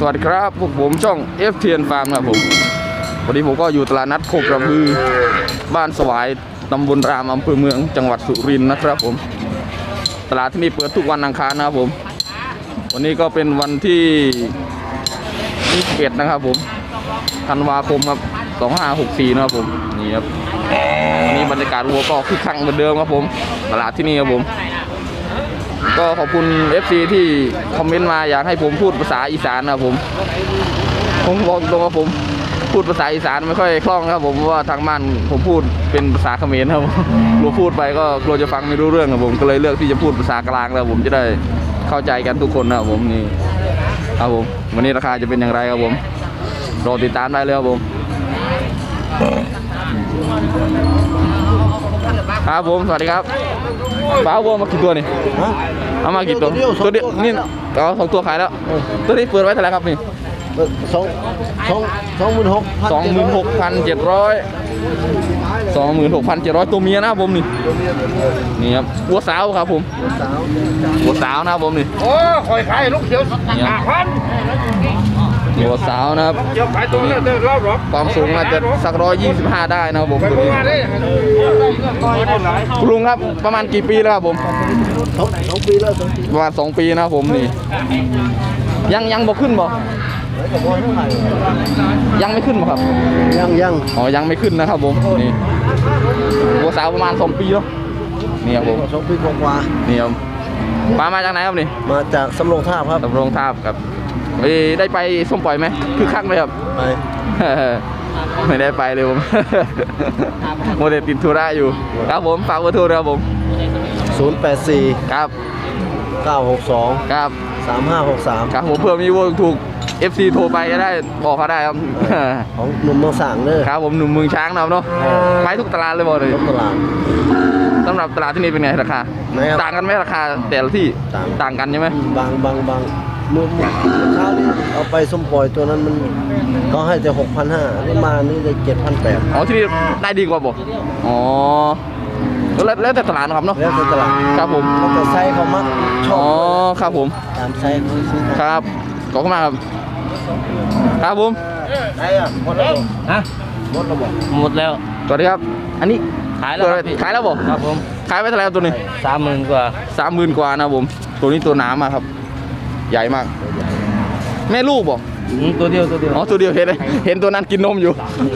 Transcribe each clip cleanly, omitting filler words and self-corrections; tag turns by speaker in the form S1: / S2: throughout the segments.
S1: วัสดีครับพวกผมช่อง FTN Farm ครับผมวันนี้ผมก็อยู่ตลาดนัดโคกระบือบ้านสวายตำบลรามอำเภอเมืองจังหวัดสุรินทร์นะครับผมตลาดที่นี่เปิดทุกวันอังคารนะครับผมวันนี้ก็เป็นวันที่21นะครับผมธันวาคมครับ2564นะครับผมนี่ครับวันนี้บรรยากาศวัวก็คึกคักเหมือนเดิมครับผมตลาดที่นี่ครับผมก็ขอบคุณ FC ที่คอมเมนต์มาอยากให้ผมพูดภาษาอีสานนะครับผมบอกตรงว่าผมพูดภาษาอีสานไม่ค่อยคล่องครับผมเพราะว่าทางบ้านผมพูดเป็นภาษาเขมรครับกลัวพูดไปก็กลัวจะฟังไม่รู้เรื่องครับผมก็เลยเลือกที่จะพูดภาษากลางแล้วผมจะได้เข้าใจกันทุกคนนะครับผมนี่ครับผมวันนี้ราคาจะเป็นอย่างไรครับผมรอติดตามได้เลยครับผมครับผมสวัสดีครับป้าวัวมากี่ตัวนี่เอามากี่ตัวตัวเดียวนี่เอา2 ตัวขายแล้วตัวนี้เปิดไว้เท่าไหร่ครับนี่26,700ตัวเมียนะครับผมนี่ครับวัวสาวครับผมวัวสาวนะครับผมนี่
S2: โอ้คอยขายลูกเขียว5,000
S1: วัวสาวนะครับความสูงอาจจะสัก125ได้นะครับผมคุณลุงครับประมาณกี่ปีแล้วครับผม
S2: 2 ปีแล้ว
S1: ประมาณ2 ปีนะครับผมนี่ยังบ่ขึ้นบ่ยังไม่ขึ้นบ่ครับ
S2: ยัง
S1: อ๋อยังไม่ขึ้นนะครับผมนี่วัวสาวประมาณ2 ปีแล้วนี่ครับผม
S2: 2 ปีกว่า
S1: นี่ครับปลามาจากไหนครับนี่
S2: มาจากสำโรงทาบครับ
S1: สำโรงทาบครับได้ไปส้มปล่อยไหมคือคักไหมครับ
S2: ไป
S1: ไม่ได้ไปเลยผมโมเดลติดธุระอยู่ครับผมฝากเบอร์โทรครับผม
S2: 084
S1: ครับ
S2: 962
S1: ครับ
S2: 3563
S1: ครับผมเพื่อมีวงถูก FC โทรไปก็ได้บอกเขาได้ครับ
S2: ของหนุ่มเมืองสางเลย
S1: ครับผมหนุ่มเมืองช้างเนาะไปทุกตลาดเลยบอกเลย
S2: ทุกตลาด
S1: สำหรับตลาดที่นี่เป็นไงราคาต่างกันไหมราคาแต่ละที่ต่างกันใช่ไหม
S2: บางเมื่อเช้านี้เอาไปส้มปล่อยตัวนั้นมันก็ให้แต่6,500นี่มานี่ได้7,800
S1: อ๋อที่นี่ได้ดีกว่าบอกอ๋อแล้วแต่ตลาดครับเนาะ
S2: แล้วแต่ตลาด
S1: ครับผม
S2: แล้วแต่ไซส์เขามักชอบ
S1: อ๋อครับผม
S2: ตามไซส์เขาซื้อ
S1: ครับขอบคุณมากครับครับผม
S2: ไหนอ่ะหมดแล้วฮะหมดแล้ว
S1: สวัสดีครับอันนี้
S2: ขายแล้ว
S1: บอก
S2: ครับผม
S1: ขายไปเท่าไหร่ตัวนี้
S2: 30,000 กว่า
S1: 30,000 กว่านะผมตัวนี้ตัวหนามากครับใหญ่มากแม่ลูกบอก
S2: ตัวเดียว
S1: อ๋อตัวเดียวเห็นตัวนั้นกินนมอยู่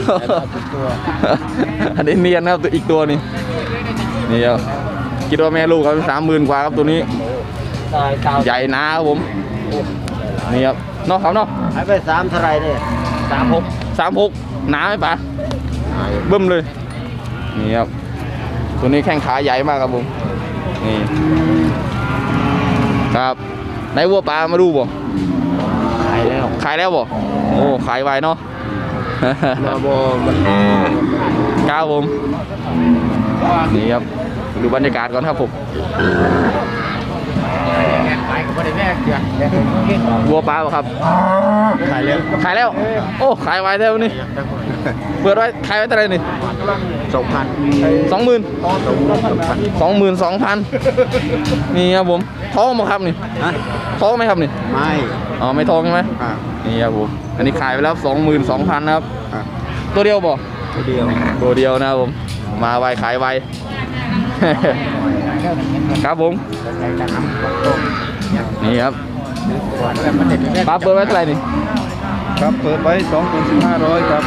S1: อันนี้เนียนนะครับตัวอีกตัวนี้นี่ครับคิดว่าแม่ลูกครับ30,000 กว่าครับตัวนี้ใหญ่หนาครับผมนี่ครับนอกเขาเนาะ
S2: ขายไป3เท่าไรเนี่ย
S1: 36หนาไหมป๋าเบิ่มเลยนี่ครับตัวนี้แข้งขาใหญ่มากครับผมนี่ครับในวัวปลามาดูบ่
S2: ขาย
S1: แล้วบ่โอ้ขายไวเนาะ
S2: มาบ่
S1: ก้าวผมนี่ครับดูบรรยากาศก่อนครับผมวัวปลาครับ
S2: ขายแล้ว
S1: โอ้ขายไวแล้วนี่เปิดไว้ขายไว้เท่าไหร่นี่22,000นี่ครับผมท้องมั้งครับนี่ท้องไหมครับนี่
S2: ไม่
S1: อ๋อไม่ท้องใช่ไหมนี่ครับผมอันนี้ขายไปแล้ว22,000นะครับตัวเดียวบ่
S2: ตัวเดี
S1: ยวนะครับผมมาไวขายไวครับผมนี่ครับปลาเปิดไว้เท่าไหร่นี่
S2: ครับเปิดไว้21,500ครับ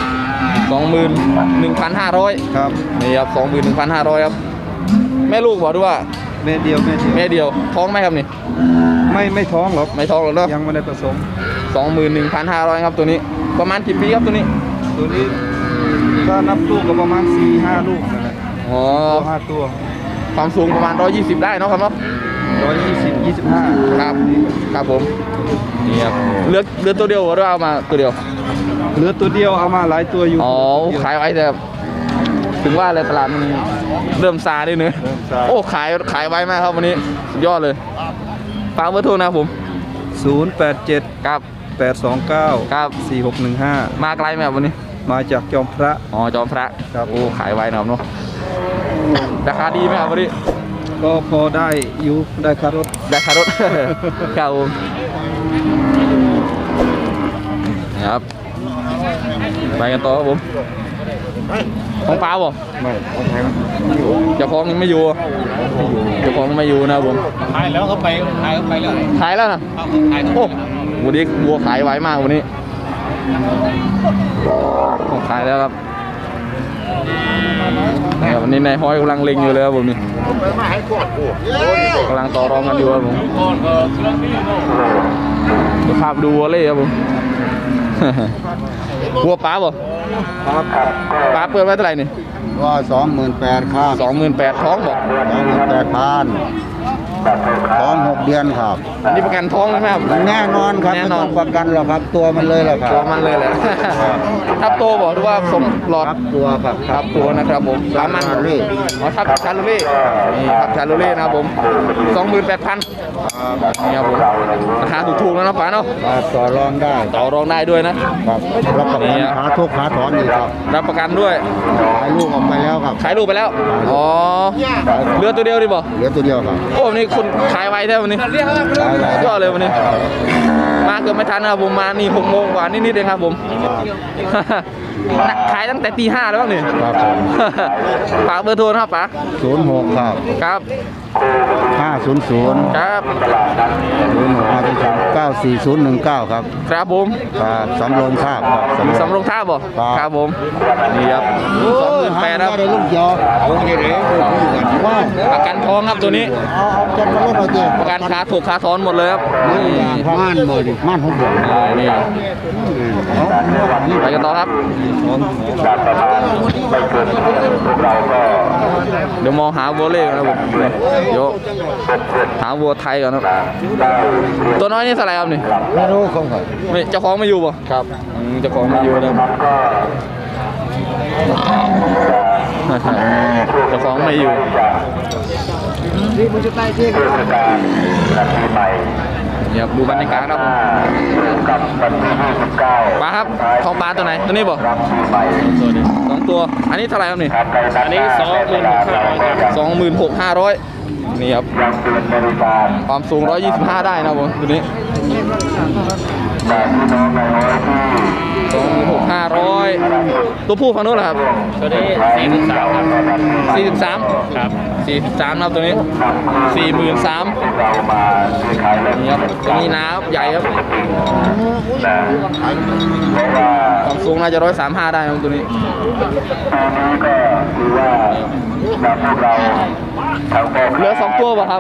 S1: 21,500
S2: ครับ
S1: นี่ครับ21,500ครับแม่ลูกบอกด้วยว่า
S2: แม่เดียว
S1: ท้องไหมครับนี่
S2: ไม่ท้องหรอก
S1: ไม่ท้องหรอกเนาะ
S2: ยังไม่ได้ผสม
S1: 21,500ครับตัวนี้ประมาณกี่ปีครับตัวนี้
S2: ถ้านับลูกก็ประมาณ 4-5 ลูกนั่นแหละ
S1: อ๋อ
S2: 5 ตัว
S1: ความสูงประมาณ120ได้เนาะครับเนาะ
S2: 120-25
S1: ครับผมนี่ครับเลือตัวเดียวหรือเอามาตัวเดียว
S2: เหลือตัวเดียวเอามาหลายตัวอยู่
S1: อ๋อขายไว้แต่ถึงว่าเลยตลาดมันเริ่มซาด้วยเนื้อโอ้ขายไว้มากครับวันนี้สุดยอดเลยฝากเบอร์โทรนะผม
S2: 087
S1: ครับ
S2: 829
S1: ครับ
S2: 4615
S1: มาไกลไหมครับวันนี้
S2: มาจากจอมพระ
S1: อ๋อจอมพระครับโอ้ขายไว้นะครับเนาะราคาดีไหมครับวันนี้
S2: ก็พอได้อยู่ได้คารถ
S1: ครับผมครับไปกันต่อครับผมของปลาบ่ไม่เจ้าของยังไม่อยู่เจ้าของไม่อยู่นะครับผม
S3: ขายแล้วเขาไปขายแล้ว
S1: ขายแล้วนะ
S3: ขาย
S1: โอ้วันนี้วัวขายไวมากวันนี้ของขายแล้วครับวันนี้นายห้อยกำลังเล็งอยู่เลยครับผมนี่กำลังต่อรองกันอยู่ครับผมจะพาไปดูวัวเล่ครับผมวัวป้าบ่ป้าเปิดไว้เท่าไหร่นี่
S2: ก็28,000ครับ
S1: 28,000ท้องบ่
S2: 28,000ท้อง6 เดือนครับ
S1: อันนี้ประกันท้องไหมครับ
S2: แน่นอนครับ
S1: แน่
S2: ไม่
S1: นอ
S2: ต้
S1: น
S2: องประกันหรอกครับตัวมันเลยแหละครับ
S1: ตัวมันเลยแหละทับโตบอกหรือว่าสมหลอด
S2: ครับตัวครับ
S1: ทับตัวนะครับผมสามัญ
S2: ชาลูเล่
S1: อ๋อทับชาลูเล่นี่ทับชาลูเล่นะครับผม 28,000นี่ครับผมราคาถูกๆแล้วนะป๋าเนาะ
S2: ต่อรองได้
S1: ต่อรองได้ด้วยนะครับ
S2: รับประกันขาทุกขาถอนอยู่ครับ
S1: รับประกันด้วย
S2: ขายลูกออกไปแล้วครับ
S1: ขายลูกไปแล้วอ๋อเหลือตัวเดียวดิบ่
S2: เหลือตัวเดียวครับ
S1: โอ้วันนี้คุณขายไวแท้วันนี้ยอดเลยวันนี้มาเกือบไม่ทันนะครับผมมานี่6 โมงกว่านิดๆเองครับผม ขายตั้งแต่ตี 5แล้วบ้างนี่
S2: ครับผม
S1: ฝากเบอร์โทรนะครับป๋า
S2: 06ครับ
S1: ครับ
S2: 500
S1: ครับ
S2: 06-94019ครับ
S1: ครับผม
S2: ครับสำโรงทาบครับ
S1: สำโรงท่าบ่
S2: ครับ
S1: ครับผมนี่ครับ28,000ครับ
S2: ได้ลูกยอเอาไงเด้ว่า
S1: ประกันทองครับตัวนี้
S2: เอาจัดมาเล่นเอาเจ้
S1: ประกันขาถูกขาซ้อนหมดเลยครับนี่
S2: ม่านหมดม่าน6 เดือน
S1: นี่ไปกันต่อครับเดี๋ยวมองหาวัวเล่ก่อนนะผมเดี๋ยวหาวัวไทยก่อนนะตัวน้อยนี่เท่าไหร่ครับนี่
S2: ไม่รู้ของเขา
S1: ไม่เจ้าของไม่อยู่ป่ะ
S2: ครับ
S1: เจ้าของไม่อยู่นะเจ้าของไม่อยู่
S2: นี่มันจะใต้ที่
S1: เนี่ยครับดูบรรยากาศครับผมปลาครับทองปลาตัวไหนตัวนี้บ่2 ตัวอันนี้เท่าไหร่ครับนี่
S3: อันนี้
S1: 26,500
S3: 26,500
S1: นี่ครับความสูง125ได้นะผมตัวนี้26,500ตัวผู้ฝั่งนู้นเหรอครับ
S3: ตัวนี้43ครับ
S1: 43
S3: ครับ
S1: 43นะครับตัวนี้ 43,000นี่ครับตัวนี้น้ำใหญ่ครับความสูงน่าจะ135ได้นะครับตัวนี้เหลือ2 ตัวป่ะครับ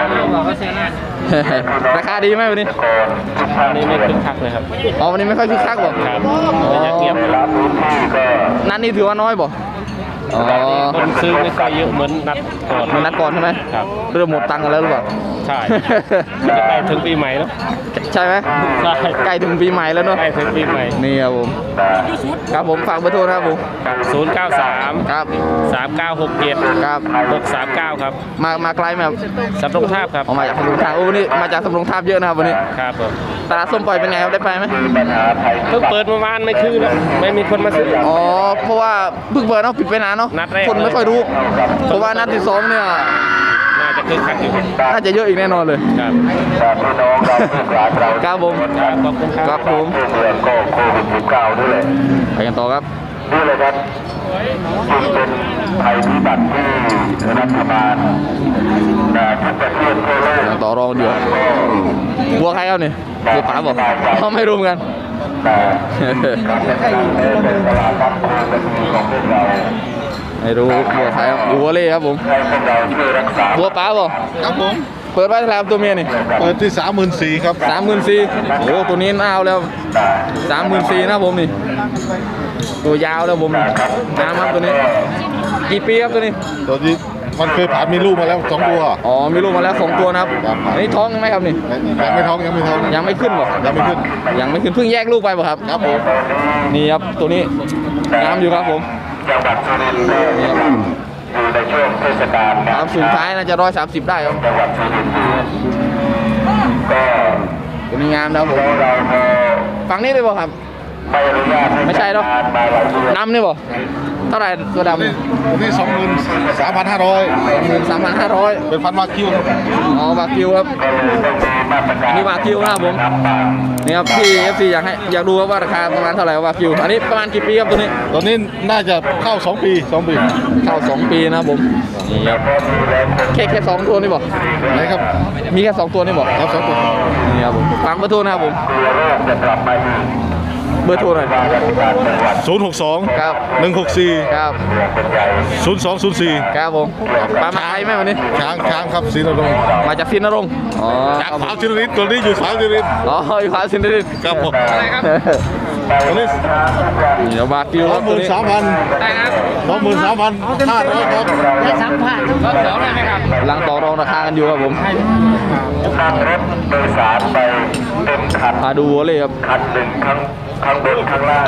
S1: ราคาดีไหมวันนี้
S3: อันนี้ไม่คึกคักเลยครับ
S1: อ๋อวันนี้ไม่ค่อยคึกคักบ่
S3: ครับมันจะเงียบ
S1: นัดนี้ถือว่าน้อยบ่อ๋อ
S3: คนซื้อไม่ค่อยเยอะเหมือนนัดก่อน
S1: มันนัดก่อนใช่ไหม
S3: ครับ
S1: เริ่มหมดตังค์กันแล้วหรือเปล่า
S3: ใช่มันจะใกล้ถึงปีใหม่แล้ว
S1: ใช่ไหม
S3: ใช่
S1: ใกล้ถึงปีใหม่แล้วเนาะ
S3: ใกล้ถึงปีใหม่
S1: นี่ครับผมครับผมฝากเบอร์โทรนะครับผม
S3: 093
S1: ครับ
S3: 3967
S1: ครับ
S3: 639ครับ
S1: มาไกลไหมครับ
S3: สำโรงทาบครับ
S1: ออกมาจากสำโรงทาบโอ้วันนี้มาจากสำโรงทาบเยอะนะครับวันนี้
S3: ครับผม
S1: ตลาดส้มปล่อยเป็นไงครับได้ไปไหม
S3: เพิ่งเปิดเมื่อวานไม่คืนแล้วไม่มีคนมาซื้อ
S1: อ๋อเพราะว่าเพิ่งเปิดเนาะปิดไปนานเนาะ
S3: นัดแรก
S1: คนไม่ค่อยรู้เพราะว่านัดที่ 2เนี่ย
S3: น่าจะคึกคักอยู่ครับ
S1: น่าจะเยอะอีกแน่นอนเลย
S3: ครับ
S1: ครับผม
S3: ครับขอบคุณค
S1: ค
S3: รั
S1: รั
S3: บบ
S1: ผมไปกันต่อครับ
S4: นี่เลยครับจึงเป็นภัยพิบัติที่รัฐบาลทุกประเทศทั่วโลก
S1: ยังต่อรองอยู่วัวใครครับนี่วัวป๋าบอกเขาไม่รู้เหมือนกัน
S4: เป็นตลาดรับมือเป็นของพวกเรา
S1: ไม่รู้วัวใครครับวัวเล่ครับผม
S4: ให้พวกเราช่วยรักษา
S1: วัวป๋าบอก
S5: ครับผม
S1: เปิดไว้เท่าไหร่ครับตัวเมียนี่
S5: เปิดที่34,000ครับ
S1: 34,000โอ้ตัวนี้น่าเอาแล้ว34,000นะผมนี่ตัวยาวแล้วผมน้ำครับตัวนี้กี่ปีครับตัวนี้
S5: ตัวนี้มันเคยผ่านมีลูกมาแล้ว2 ตัว
S1: อ๋อมีลูกมาแล้ว2 ตัวนะครับ
S5: ครับ
S1: อันนี้ท้องยังไหมครับนี่
S5: ยังไม่ท้องยังไม่ท้อง
S1: ยังไม่ขึ้นบ่
S5: ยังไม่ขึ้น
S1: ยังไม่ขึ้นเพิ่งแยกลูกไปบ่ครับ
S5: ครับผม
S1: นี่ครับตัวนี้น้ำอยู่ครับผม
S4: จังหวัดสุรินทร์
S1: นี่ครับ
S4: อยู่ในช่วงเทศกาล
S1: ความสูงท้ายน่าจะ130ได้ครับ
S4: จังหวัดสุรินทร์ก็
S1: ตัวนี้งามนะครับผม
S4: เราก็
S1: ฝั่งนี้เลยบ่ครับ
S4: ไม่อนุญาตให้
S1: ไม่ใช่หรอก
S4: มาหลายเดือน
S1: น้ำนี่บ่
S4: เ
S1: เท่าไหร่ตัวดำ
S5: นี่23,500
S1: 13,500
S5: เป็นพันวากิวครับ
S1: อ๋อวากิวครับอันนี้วากิวนะครับผมนี่ครับพี่ FC อยากดูว่าราคาประมาณเท่าไหร่วากิวอันนี้ประมาณกี่ปีครับตัวนี้
S5: ตอนนี้น่าจะเข้า2 ปี 2 ปี
S1: เข้า2 ปีนะครับผมนี่ครับแค่2ตัวนี่บอก
S5: ไหนครับ
S1: มีแค่2ตัวนี่บอก
S5: ครับ2 ตัว
S1: นี่ครับผมฟังเบอร์โทรนะครับผมเบอร์โทรหน่อย
S5: 062
S1: ครับ
S5: 164
S1: ครับ
S5: 0204
S1: ครับผมปลามาไทยไหมวันนี้
S5: ช้างครับศรีนรงค์
S1: มาจากซินนรงค์อ๋อ
S5: จากขาวศิรินทร์ตัวนี้อยู่ขาวศิรินทร์
S1: อ๋ออยู่ขวาซินนรงค์
S5: ครับผมตัวนี้
S1: เดี๋ยววากิวครับตัวนี้
S5: 23,000
S1: ได้ครับ
S5: 23,500ครับ
S1: หลังต่อรองราคากันอยู่ครับผม
S4: นั่งรถโดยสารไปเต็มคัน
S1: พาดูวัวเลยครับ
S4: คันหนึ่งข้างบนข้างล่าง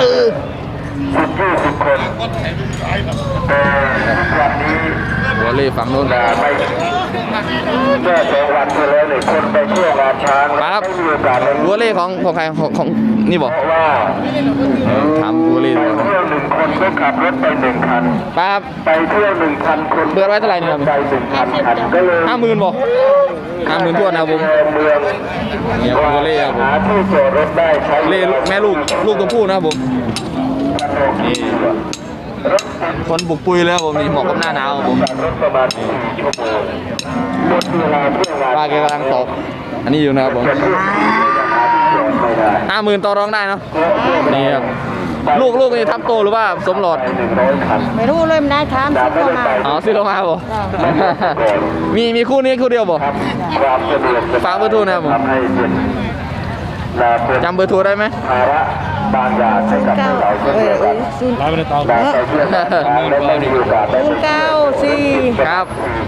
S4: 10-20 คนแต่วันนี้
S1: วัวเล่ฝั่งโน้น
S4: ไม่เมื่อ2 วันที่แล้วเนี่ยคนไปเที่ยวงานช้าง
S1: ครับ
S4: ไม่มีโอกาสเลย
S1: วัวเล่ของใครของนี่บอก
S4: เพราะว่า
S1: ถามวัวเล่
S4: ไป
S1: ดีกว่า
S4: เที่ยว1 คนก็ขับรถไป1 คัน
S1: ป้าครับ
S4: ไปเที่ยว1,000 คน
S1: เปิดไว้เท่าไหร่เนี่ยครับ
S4: ไป1,000 คันก็เลย
S1: 50,000บอก50,000ทั่วนะครับผม
S4: เมือง
S1: เนี่ยวัวเล่ครับผม
S4: หาที่จอดรถได้ใช้
S1: เล่แม่ลูกตัวผู้นะครับผมนี่คนบุกปุยเลยครับผมนี่เหมาะกับหน้าหนาวครับผม
S4: รถประมาณ4 ชั่วโมงหมดเวลาเที่ยวงาน
S1: ป้าแกกำลังตอกอันนี้อยู่นะครับผม
S4: จะพูดไม่ได้
S1: 50,000ต่อรองได้เนาะนี่ครับลูกนี่ทับโตหรือว่าสมหลอด
S4: 100 คัน
S6: ไม่รู้เลยมันได้ถามสิเข้ามา
S1: อ๋อซื้อลงมาบ่มีคู่นี้คู่เดียวบ่
S4: ความสะดวกสบย
S1: ฝากเบอร์โทรนะครับผม
S4: ทำให้เป็นเป็น
S1: จำเบอร์โทรได้ไหม
S4: ภาระบางอย่างให้กับเราเช่นเดียวกัน
S6: ศูนย์
S4: ได้ไปเที่ยวงานช้างและไม่มีโอกาสได้
S6: ศูนย์เก้าสี่
S1: ครับ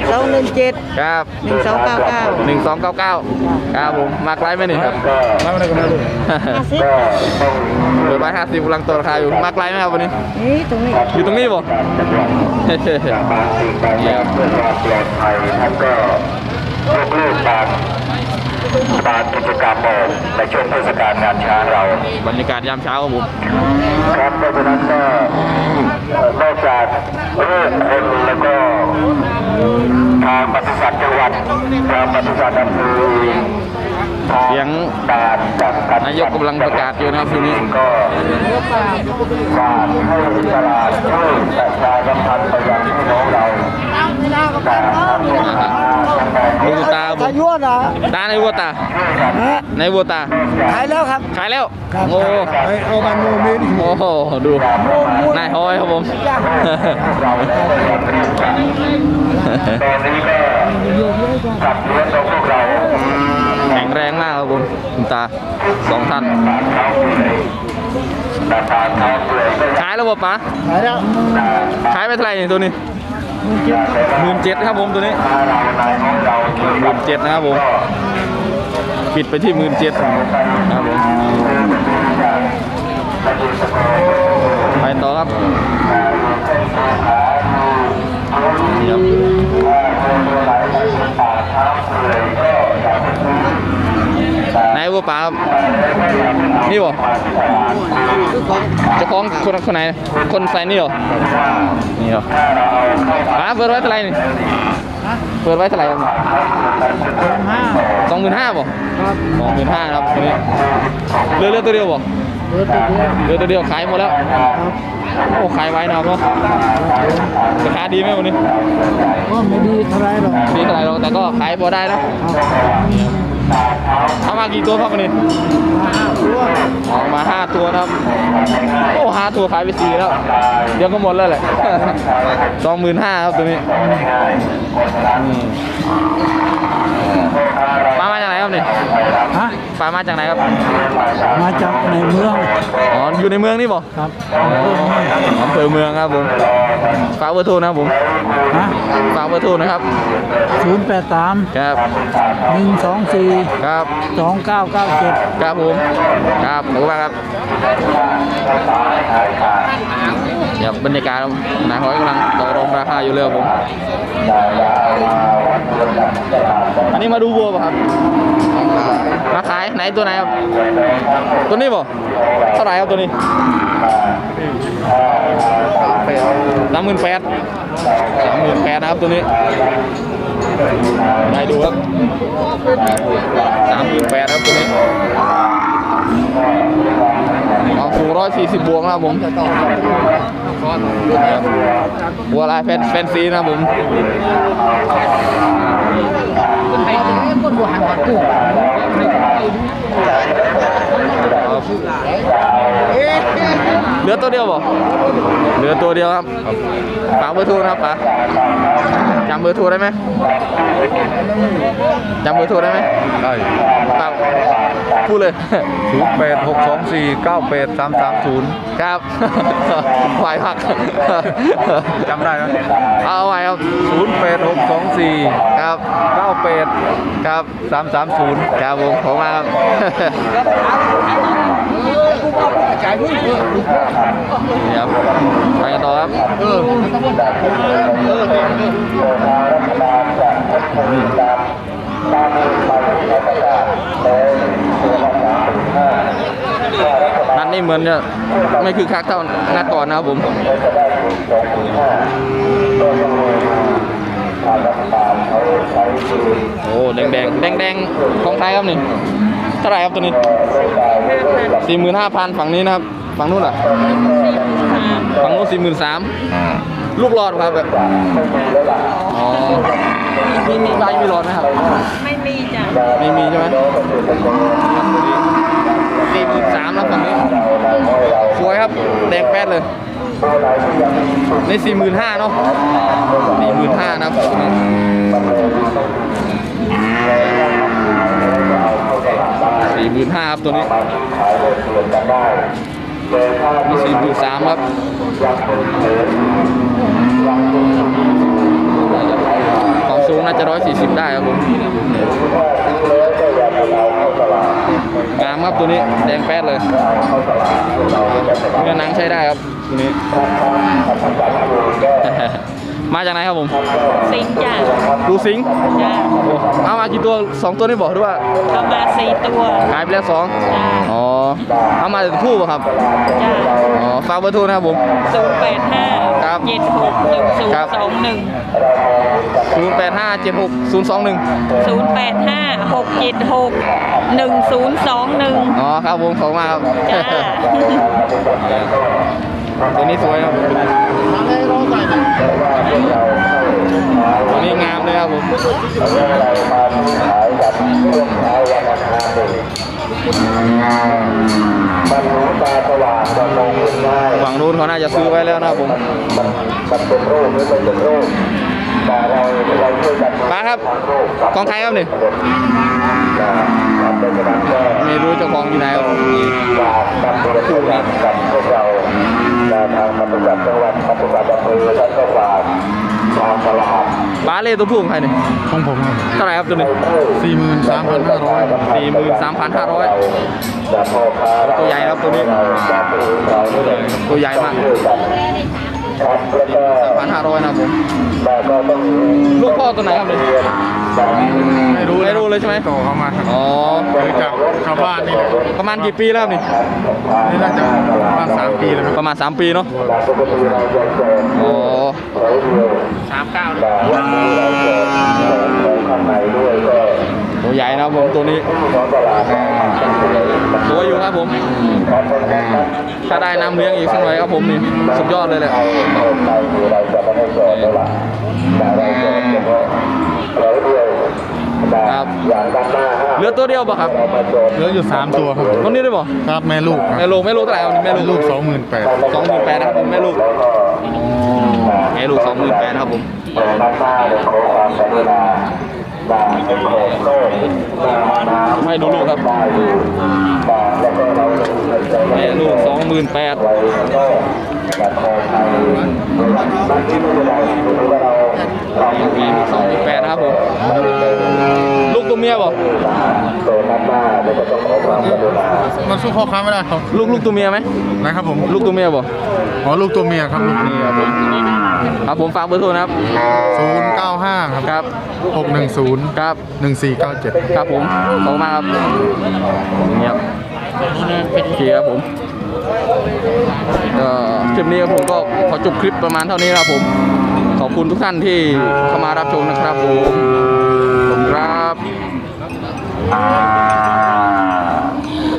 S6: 217
S1: ครับ
S6: 1299
S1: 1299ครับผมมากไลฟ์ไหมนี่ครับ
S4: ก็
S6: 50
S4: ก็ต้อง
S1: เปิดไว้50กำลังตัวราคาอยู่มากไลฟ์ไหมครับวันนี้
S6: นี่ตรงนี้
S1: อยู่ตรงนี้บ่
S4: จังหวัด
S1: เฮ้ย
S4: บางสิ่งบางอย่างเพื่อความปลอดภัยท่านก็ยกเลิกบางกิจกรรมออกในช่วงเทศกาลงานช้างเรา
S1: บรรยากาศยามเช้าครับผม
S4: ครับเพราะฉะนั้นก็นอกจากเรื่องคนแล้วก็ทางปศุสัตว์จังหวัดทางปศุสัตว์อำเภอทาง
S1: เสียง
S4: ด่านจากการ
S1: นายกกำลังประกาศอยู่นะครับทีนี้
S4: ก็ฝากให้ตลาดช่วยประชาสัมพันธ์ไปยังพี่น้องเราแต่ทำเนี่ยนะ
S1: ดูตาผมตาในวัวตาในวัวตา
S6: ขายแล้วครับ
S1: ขายแล้วโอ้
S6: เอาบันโมเมนต์
S1: โหดูนายฮอยครับผม
S4: เราแล้วก็ยังเรียกกันตอนนี้ก็สัตว์เลี้ยงของพวกเรา
S1: แข็งแรงมากครับผมคุณตา2ท่าน
S4: ตาเท้าเปลือยตาเท้าเปลือยก็
S1: ขายแล้วบ่ป๋า
S6: ขายแล้ว
S1: ขายไปเท่าไหร่นี่ตัวนี้17,000ครับผมตัวนี้
S4: ถ้าเราในของเราช่วยกัน
S1: 17,000นะครับผมปิดไปที่17,000ครับผมไปต่อครับนี่ครับนายวัวป๋าครับนี่บ่เจ้าของคนไหนคนใส่นี่เหรอนี่เหรอป๋าเปิดไว้เท่าไหร่นี่เปิดไว้เท่าไหร่ครับ25,000บ่25,000ครับตัวนี้เรือตัวเดียวบ่เรือตัวเดียวขายหมดแล้วโอ้ขายไว้นะครับเนาะราคาดีไหมวันนี้
S6: ก็ไม่ดีเท่าไรหรอก
S1: ดีเท่าไหร่หรอกแต่ก็ขายพอได้นะเอามากี่ตัวครับวันนี้ออกมา5ตัวนะครับโอ้5ตัวขายไป4แล้วเดี๋ยวก็หมดแล้วแหละ 25,000ครับตัวนี้ปลามาจากไหนครับนี่
S6: ฮะ
S1: ปลามาจากไหนครับ
S6: มาจากในเมือง
S1: อ๋ออยู่ในเมืองนี่บ่
S6: ครับ
S1: อำเภอเมืองครับผมฝากเบอร์โทรนะครับผม
S6: ฮะ
S1: ฝากเบอร์โทรนะครับ
S6: 083
S1: ครับ
S6: 124
S1: ครับ
S6: 2997
S1: ครับผมครับขอบคุณมากครับเดี๋ยวบรรยากาศนายห้อยกำลังต่อรองราคาอยู่เลยครับผมอันนี้มาดูวัวป่ะครับมาขายไหนตัวไหนครับตัวนี้ป่ะเท่าไหร่ครับตัวนี้38,000นะครับตัวนี้ได้ดูครับ38,000ครับตัวนี้ความสูง140 บวกนะครับผมวัวลายแฟนซีนะครับผมเหลือตัวเดียวบ่เหลือตัวเดียวครับฝากเบอร์โทรนะครับป๋าจำเบอร์โทรได้ไหมจำเบอร์โทรได้ไหม
S5: ได้
S1: ฝากพูดเลย
S5: 0862498330
S1: ครับ ไหวพัก
S5: จำได้ไหม
S1: เอาไหวครับ
S5: 0862498330
S1: ครับครับผมขอบคุณมากครับ นี่ครับไปกันต่อครับนัดนี้เหมือนจะไม่คือคักเท่านัดก่อนนะครับผมโอ้แดงของไทยครับนี่เท่าไหร่ครับตัวนี้ 45,000 ฝั่งนี้นะครับฝั่งนู้นอ่ะฝั่งนู้น43,000ลูกหลอดครับแบบอ๋อมีใบมีหลอดไหมครับ
S7: ไม่มีจ้ะ
S1: ไม่มีใช่ไหม43,000แล้วฝั่งนี้สวยครับแดงแป๊ดเลยใน45,000เนาะ45,000นะครับ45,000ครับตัวนี้มี43,000ครับความสูงน่าจะ140ได้ครับผมงามครับตัวนี้แดงแป๊ดเลยเนื้อหนังใช้ได้ครับตัวนี้ มาจากไหนครับผม
S7: สิงห์จ้ะ
S1: ดูสิงห์
S7: จ้ะ
S1: เอามากี่ตัว2ตัวนี่บอกด้วยว่า
S7: เอามา4 ตัว
S1: หายไปแล้ว2
S7: จ้ะ
S1: อ๋อเอามาจากผู้ป่ะครับ
S7: จ้ะ
S1: อ๋อฝากเบอร์โทรนะครับผม
S7: 085
S1: ครับ
S7: 76
S1: ครับ
S7: 1021
S1: 08576021
S7: 085 676 1021
S1: อ๋อครับผมขอบคุณมากครับ
S7: จ้า
S1: ตัวนี้สวยครับตัวนี้งามเลยครับผมฝั่งนู้นเขาน่าจะซื้อไว้แล้วนะครับผมมาครับของใครครับนี่ไม่รู้เจ้าของอยู่ไหนครับคู่นี้ทางปฏิบัติจังหวัดปฏิบัติอำเภอท่านก็ฝากทางตลาดบ้าเล่ตัวผู้ของใครเนี่ย
S5: ของผมครับ
S1: เท่าไหร่ครับตัวนี้
S5: 43,500
S1: 43,500ตัวใหญ่ครับตัวนี้ตัวใหญ่มาก3,500นะครับผมลูกพ่อตัวไหนครับเนี่ยไม่รู้เลยใช่ไหม
S5: ต่อเข้ามาครับ
S1: อ๋อ
S5: คือจากชาวบ้านนี่แหละ
S1: ประมาณกี่ปีแล้วครับนี่
S5: นี่น่าจะประมาณ3 ปีแล้วครับ
S1: ประมาณ3 ปีเนาะอ๋อตัวใหญ่นะครับผมตัวนี้ตัวอยู่ครับผมถ้าได้น้ำเลี้ยงอีกสักหน่อยครับผมนี่สุดยอดเลยแหละครับเหลือตัวเดียวป่ะครับ
S5: เหลืออยู่3 ตัวครับ
S1: ตัวนี้ได้ป่ะ
S5: ครับแม่ลูกครับ
S1: แม่ลูกเท่าไหร่ครับแม่ลูก
S5: 28,000
S1: 28,000นะครับผมแม่ลูก28,000นะครับผมให้ดูลูกครับแม่ลูก28,000มี28,000นะครับผมลูกตัวเมียป่ะ
S5: มันสู้พ่อค้าไม่ได้ครับ
S1: ลูกตัวเมียไหม
S5: นะครับผม
S1: ลูกตัวเมียบ่
S5: อ๋อลูกตัวเมียครับลูก
S1: นี่ครับผมครับผมฝากเบอร์โทรนะครับ
S5: 095ครับ
S1: ครับ
S5: 610
S1: ครับ
S5: 1497
S1: ครับผมขอบคุณมากครับนี่ครับโอเคครับผมก็คลิปนี้ผมก็ขอจบคลิปประมาณเท่านี้นะครับผมขอบคุณทุกท่านที่เข้ามารับชมนะครับผม